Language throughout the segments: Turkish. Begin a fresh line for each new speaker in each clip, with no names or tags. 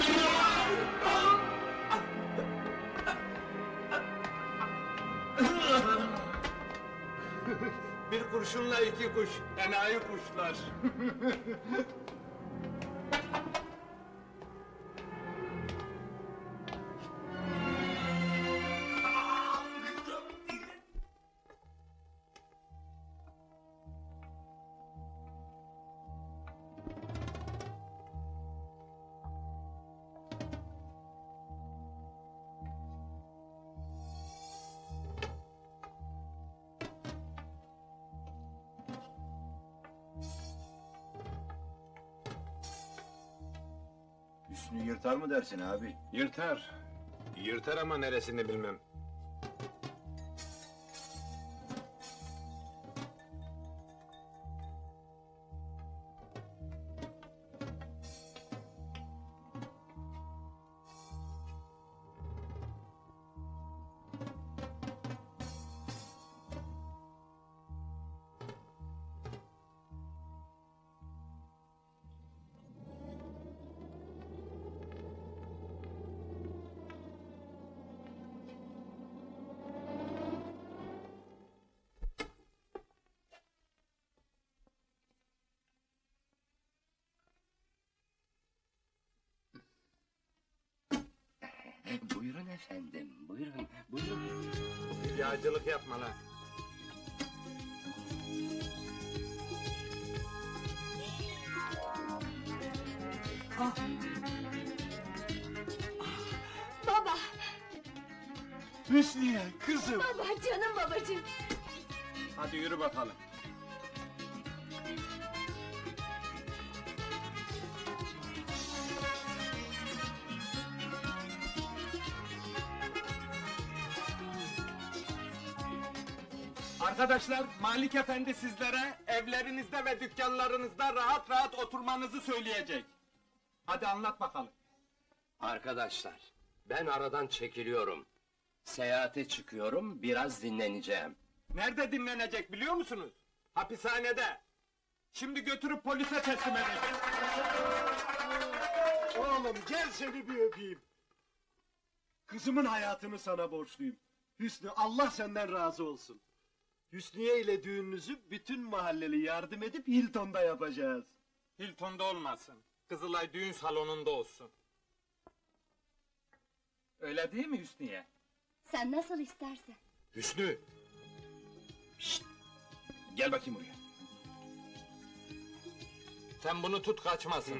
Bir kurşunla iki kuş, enayi kuşlar.
Hüsnü yırtar mı dersin abi?
Yırtar. Yırtar ama neresini bilmem.
Buyurun efendim, buyurun, buyurun.
Yağcılık yapma lan.
Baba,
Hüsniye, kızım!
baba, canım babacığım.
Hadi yürü bakalım. Arkadaşlar, Malik Efendi sizlere evlerinizde ve dükkanlarınızda rahat rahat oturmanızı söyleyecek. Hadi anlat bakalım.
Arkadaşlar, ben aradan çekiliyorum. Seyahate çıkıyorum, biraz dinleneceğim.
Nerede dinlenecek biliyor musunuz? Hapishanede. Şimdi götürüp polise teslim edeceğim.
Oğlum gel seni bir öpeyim. Kızımın hayatını sana borçluyum. Hüsnü, Allah senden razı olsun. Hüsniye ile düğününüzü bütün mahalleli yardım edip Hilton'da yapacağız.
Hilton'da olmasın. Kızılay düğün salonunda olsun. Öyle değil mi Hüsniye?
Sen nasıl istersen.
Hüsnü! Şşt! Gel bakayım buraya.
Sen bunu tut kaçmasın.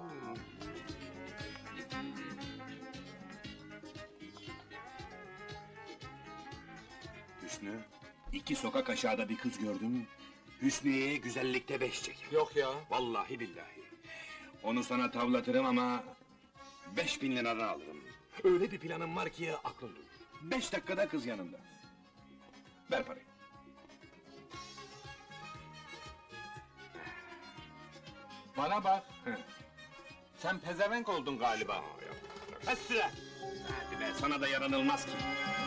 Hüsnü, 2 sokak aşağıda bir kız gördüm. Hüsniye'ye güzellikte 5 çeker.
Yok ya.
Vallahi billahi. Onu sana tavlatırım ama 5.000 liradan alırım. Öyle bir planım var ki aklın durur. 5 dakikada kız yanında. Ver parayı.
Bana bak. Sen pezevenk oldun galiba. Kes süre.
Hadi be, sana da yaranılmaz ki.